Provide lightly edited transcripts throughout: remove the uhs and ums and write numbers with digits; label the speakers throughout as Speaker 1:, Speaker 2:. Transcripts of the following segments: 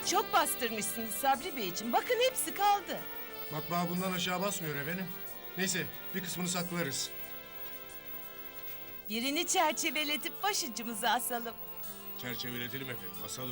Speaker 1: çok bastırmışsınız Sabri Beyciğim. Bakın hepsi kaldı.
Speaker 2: Matbaa bundan aşağı basmıyor efendim. Neyse bir kısmını saklarız.
Speaker 1: Birini çerçeveletip başucumuza asalım.
Speaker 2: Çerçeveletelim efendim, asalım.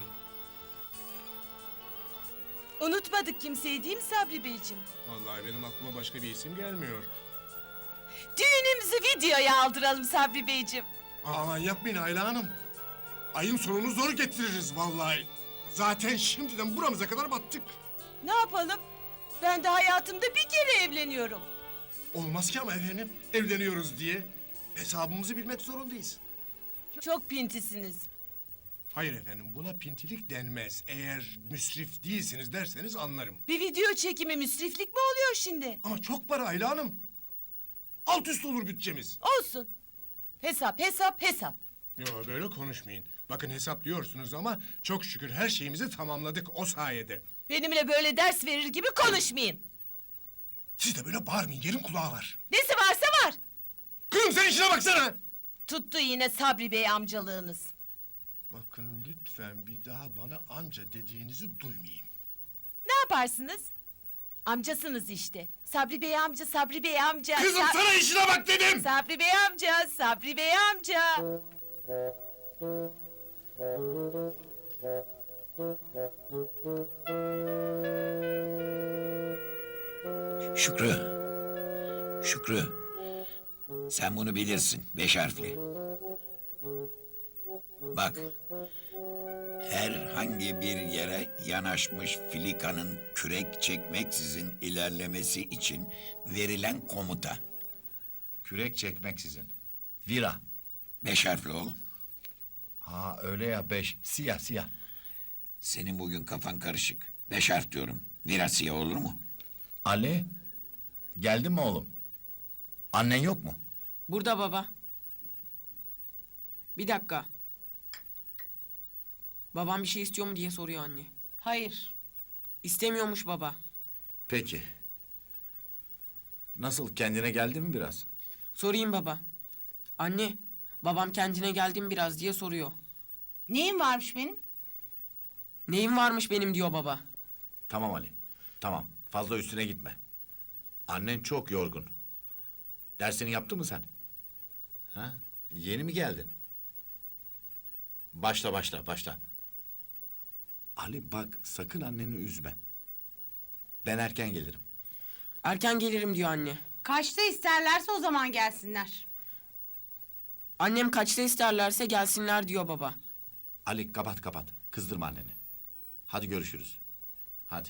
Speaker 1: Unutmadık kimseyi değil mi Sabri Beyciğim?
Speaker 2: Vallahi benim aklıma başka bir isim gelmiyor.
Speaker 1: Düğünümüzü videoya aldıralım Sabri Beyciğim.
Speaker 2: Aman yapmayın Ayla Hanım. Ayın sonunu zor getiririz vallahi. Zaten şimdiden buramıza kadar battık.
Speaker 1: Ne yapalım? Ben de hayatımda bir kere evleniyorum.
Speaker 2: Olmaz ki ama efendim, evleniyoruz diye. Hesabımızı bilmek zorundayız.
Speaker 1: Çok pintisiniz.
Speaker 2: Hayır efendim, buna pintilik denmez. Eğer müsrif değilsiniz derseniz anlarım.
Speaker 1: Bir video çekimi müsriflik mi oluyor şimdi?
Speaker 2: Ama çok para Ayla Hanım. Alt üst olur bütçemiz.
Speaker 1: Olsun. Hesap, hesap, hesap.
Speaker 2: Yo böyle konuşmayın. Bakın hesap diyorsunuz ama çok şükür her şeyimizi tamamladık o sayede.
Speaker 1: Benimle böyle ders verir gibi konuşmayın.
Speaker 2: Siz de böyle bağırmayın, yerin kulağı var.
Speaker 1: Nesi varsa var.
Speaker 2: Kızım sen işine baksana.
Speaker 1: Tuttu yine Sabri Bey amcalığınız.
Speaker 2: Bakın lütfen bir daha bana amca dediğinizi duymayayım.
Speaker 1: Ne yaparsınız? Amcasınız işte. Sabri Bey amca, Sabri Bey amca.
Speaker 2: Kızım sana işine bak dedim.
Speaker 1: Sabri Bey amca, Sabri Bey amca.
Speaker 3: Şükrü. Şükrü. Sen bunu bilirsin. 5 harfli. Bak. Herhangi bir yere yanaşmış filikanın kürek çekmeksizin ilerlemesi için verilen komuta.
Speaker 4: Kürek çekmeksizin. Vira.
Speaker 3: 5 harfli oğlum.
Speaker 4: Ha öyle ya 5. Siyah siyah.
Speaker 3: Senin bugün kafan karışık. 5 harf diyorum. Virasiye olur mu?
Speaker 4: Ali. Geldin mi oğlum? Annen yok mu?
Speaker 5: Burada baba. Bir dakika. Babam bir şey istiyor mu diye soruyor anne.
Speaker 1: Hayır.
Speaker 5: İstemiyormuş baba.
Speaker 4: Peki. Nasıl kendine geldin mi biraz?
Speaker 5: Sorayım baba. Anne, babam kendine geldi mi biraz diye soruyor.
Speaker 1: Neyim varmış benim?
Speaker 5: Neyim varmış benim diyor baba.
Speaker 4: Tamam Ali. Tamam. Fazla üstüne gitme. Annen çok yorgun. Dersini yaptı mı sen? Ha? Yeni mi geldin? Başla. Ali bak sakın anneni üzme. Ben erken gelirim.
Speaker 5: Erken gelirim diyor anne.
Speaker 6: Kaçta isterlerse o zaman gelsinler.
Speaker 5: Annem kaçta isterlerse gelsinler diyor baba.
Speaker 4: Ali kapat. Kızdırma anneni. Hadi görüşürüz. Hadi.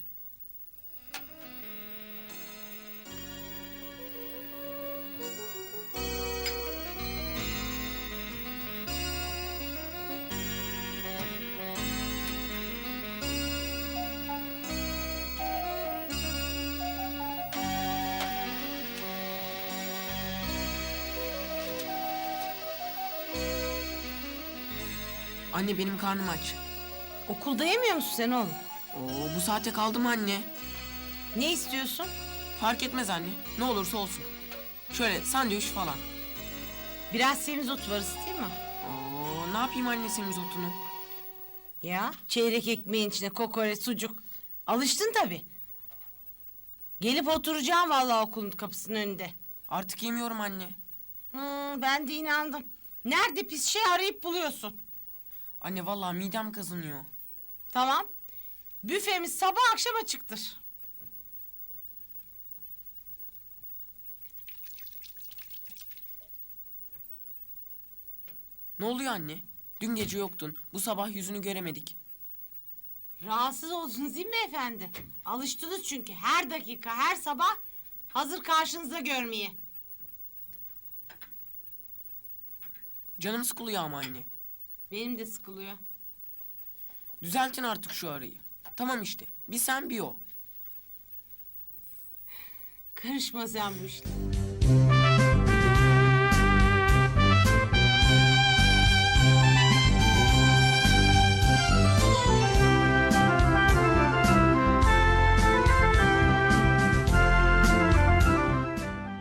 Speaker 5: Anne benim karnım aç.
Speaker 6: Okulda yemiyor musun sen oğlum?
Speaker 5: Oo, bu saate kaldı mı anne?
Speaker 6: Ne istiyorsun?
Speaker 5: Fark etmez anne. Ne olursa olsun. Şöyle sandviç falan.
Speaker 6: Biraz semizotu var değil mi?
Speaker 5: Oo, ne yapayım anne semizotunu?
Speaker 6: Ya çeyrek ekmeğin içine kokoreç, sucuk. Alıştın tabii. Gelip oturacağım vallahi okulun kapısının önünde.
Speaker 5: Artık yemiyorum anne.
Speaker 6: Ben de inandım. Nerede pis şey arayıp buluyorsun.
Speaker 5: Anne vallahi midem kazınıyor.
Speaker 6: Tamam. Büfemiz sabah akşam açıktır.
Speaker 5: Ne oluyor anne? Dün gece yoktun. Bu sabah yüzünü göremedik.
Speaker 6: Rahatsız oldunuz değil mi efendi? Alıştınız çünkü her dakika, her sabah hazır karşınızda görmeye.
Speaker 5: Canım sıkılıyor ama anne.
Speaker 6: Benim de sıkılıyor.
Speaker 5: Düzeltin artık şu arayı. Tamam işte. Bir sen bir o.
Speaker 6: Karışma sen bu işlere.